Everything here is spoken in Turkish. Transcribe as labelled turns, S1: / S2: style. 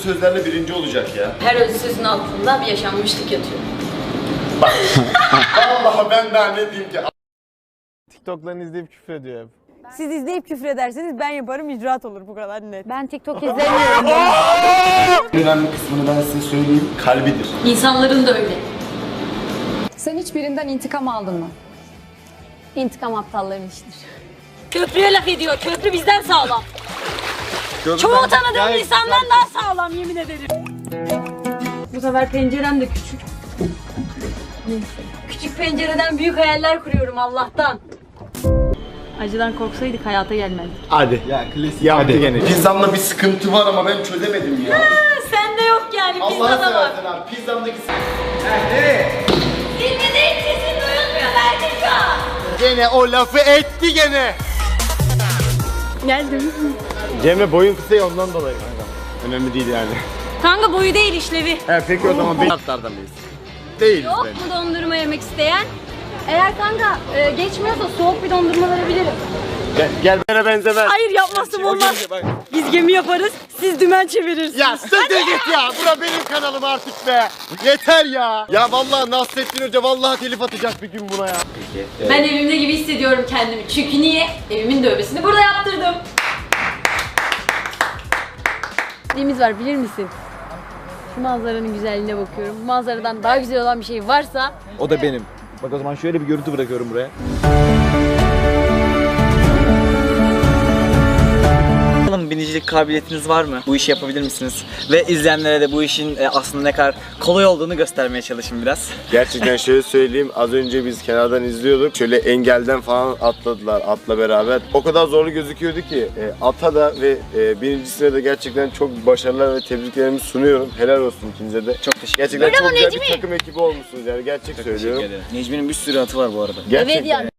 S1: sözlerle birinci olacak ya.
S2: Her özlü sözün altında bir yaşanmışlık yatıyor.
S1: Allah ben daha ne diyeyim ki?
S3: TikTok'larını izleyip küfür ediyor hep.
S4: Siz izleyip küfür ederseniz ben yaparım, icraat olur, bu kadar net.
S5: Ben TikTok izlemiyorum.
S1: Önemli kısmını ben size söyleyeyim. Kalbidir.
S2: İnsanların da öyle.
S5: Sen hiç birinden intikam aldın mı? İntikam aptalların işidir.
S2: Köprüye laf ediyor. Köprü bizden sağlam. Çoğu tanıdığım insandan daha sağlam yemin ederim. Bu sefer pencerem de küçük. Küçük pencereden büyük hayaller kuruyorum Allah'tan. Acıdan korksaydık hayata gelmezdik.
S3: Hadi.
S1: Ya klasik.
S3: Yaptı gene.
S1: Pizzamda bir sıkıntı var ama ben çözemedim ya.
S2: Sende yok yani,
S1: Allah'a
S2: pizzada var.
S1: seversen abi pizzamdaki
S2: Dinlediğin sesin duyulmuyor Berdeca.
S3: Gene o lafı etti gene.
S2: Geldim.
S3: Cemre boyun kısa ya ondan dolayı kanka. Önemli değil yani.
S2: Kanka boyu değil işlevi.
S3: He peki o zaman şartlardan mıyız? Değiliz
S2: Yok
S3: bence.
S2: mu dondurma yemek isteyen? Eğer kanka geçmiyorsa soğuk bir dondurma verebilirim.
S3: Gel bana benzemez.
S2: Hayır yapmazsam olmaz. Biz gemi yaparız, siz dümen çevirirsiniz.
S3: Ya siktir git ya. Bura benim kanalım artık be. Yeter ya. Ya vallahi Nasrettin Hoca vallahi telif atacak bir gün buna ya.
S2: Ben evimde gibi hissediyorum kendimi. Çünkü niye? Evimin dövmesini burada yaptırdım. Neyimiz var bilir misin? Şu manzaranın güzelliğine bakıyorum. Bu manzaradan daha güzel olan bir şey varsa...
S6: O da benim. Bak o zaman şöyle bir görüntü bırakıyorum buraya.
S7: Bakalım binicilik kabiliyetiniz var mı? Bu işi yapabilir misiniz? Ve izleyenlere de bu işin aslında ne kadar kolay olduğunu göstermeye çalışın biraz.
S1: Gerçekten şöyle söyleyeyim, az önce biz kenardan izliyorduk. Şöyle engelden falan atladılar atla beraber. O kadar zorlu gözüküyordu ki ata da ve birincisine de gerçekten çok başarılar ve tebriklerimi sunuyorum. Helal olsun ikinize de.
S7: Çok teşekkür
S1: Gerçekten
S7: ederim.
S1: çok güzel bir takım ekibi olmuşsunuz yani gerçek söylüyorum.
S7: Necmi'nin bir sürü atı var bu arada.
S1: Gerçekten.
S2: Evet yani.